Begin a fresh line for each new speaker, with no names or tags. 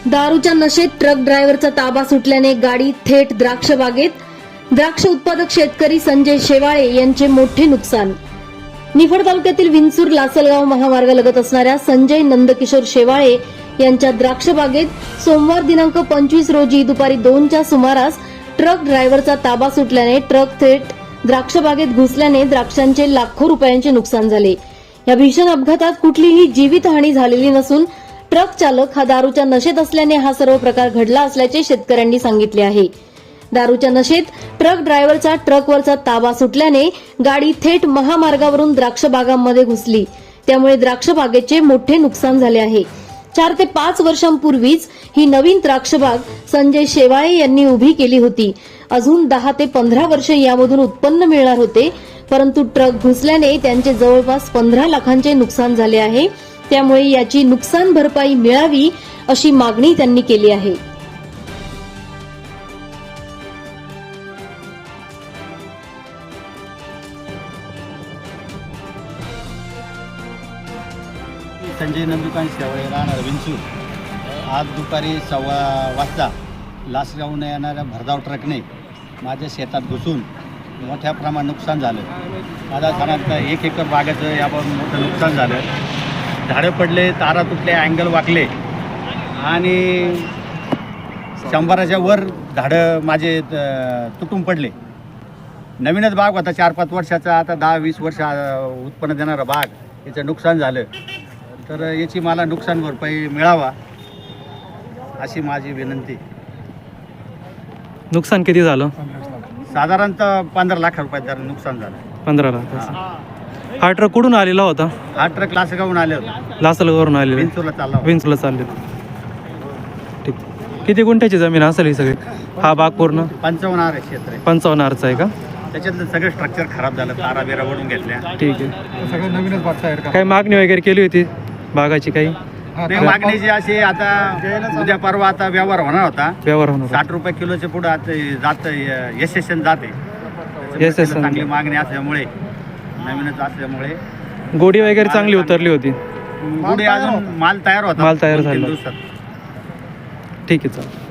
दारूच्या नशेत ट्रक ड्रायव्हरचा ताबा सुटल्याने गाडी थेट द्राक्ष बागेत. द्राक्ष उत्पादक शेतकरी संजय शेवाळे यांचे मोठे नुकसान. निफाड तालुक्यातील विंचूर लासलगाव महामार्गालगत असणाऱ्या संजय नंदकिशोर शेवाळे यांच्या द्राक्ष बागेत सोमवार दिनांक 25 रोजी दुपारी 2च्या सुमारास ट्रक ड्रायव्हरचा ताबा सुटल्याने ट्रक थेट द्राक्ष बागेत घुसल्याने द्राक्षांचे लाखो रुपयांचे नुकसान झाले. या भीषण अपघातात कुठलीही जीवितहानी झालेली नसून ट्रक चालक हा दारूच्या नशेत असल्याने हा सर्व प्रकार घडला असल्याचे शेतकऱ्यांनी सांगितले आहे. दारूच्या नशेत ट्रक ड्रायव्हरचा ट्रकवरचा ताबा सुटल्याने गाडी थेट महामार्गावरून द्राक्ष बागांमध्ये घुसली. त्यामुळे द्राक्ष बागेचे मोठे नुकसान झाले आहे. 4 ते 5 वर्षांपूर्वीच ही नवीन द्राक्ष बाग संजय शेवाळे यांनी उभी केली होती. अजून 10 ते 15 वर्षे यामधून उत्पन्न मिळणार होते, परंतु ट्रक घुसल्याने त्यांचे जवळपास 15 लाखांचे नुकसान झाले आहे. त्यामुळे याची नुकसान भरपाई मिळावी अशी मागणी त्यांनी केली आहे.
संजय नंदुकान शेवाळे राहणार विंचूर. आज दुपारी 1:15 वाजता लासगावने येणाऱ्या भरधाव ट्रकने माझ्या शेतात घुसून मोठ्या प्रमाणात नुकसान झालं. माझ्या साधारणतः 1 एकर बागेचं याबाबत मोठं नुकसान झालं. झाडं पडले, तारा तुटले, अँगल वाकले आणि 100च्या वर झाडं माझे तुटून पडले. नवीनच बाग होता, 4-5 वर्षाचा, आता 10-20 वर्ष उत्पन्न देणारा बाग, याचं नुकसान झालं. तर याची मला नुकसान भरपाई मिळावा अशी माझी विनंती.
नुकसान किती झालं?
साधारणतः 15 लाख रुपयाचं नुकसान झालं.
15 लाख. हा ट्रक कुठून आलेला होता?
हा ट्रक लासगावून आले होते,
लासलगावरून आलेला.
विंचूरला चालला होता.
विंचूरला चालले. ठीक. किती गुंठ्याची जमीन असेल ही सगळी? हा बाग पूर्ण
55 आर क्षेत्र आहे.
55 आरचा आहे का?
त्याच्यातलं सगळं स्ट्रक्चर खराब झालं, तारा बिरा ओढून घेतल्या.
ठीक आहे.
सगळं नवीनच बाग तयार करा.
काही मागणी वगैरे केली होती बागाची? काही
नाही, मागणीची अशी आता उद्या परवा आता व्यवहार होणार होता.
व्यवहार होणार?
60 रुपये किलोचे पुढे आता जात यशस्वी जाते.
यशस्वी.
चांगली मागणी असल्यामुळे, नवीनच असल्यामुळे
गोडी वगैरे चांगली उतरली होती.
पुढे अजून माल तयार होता.
माल तयार
2-3
झाला.
दिवसात.
ठीक आहे, चालेल.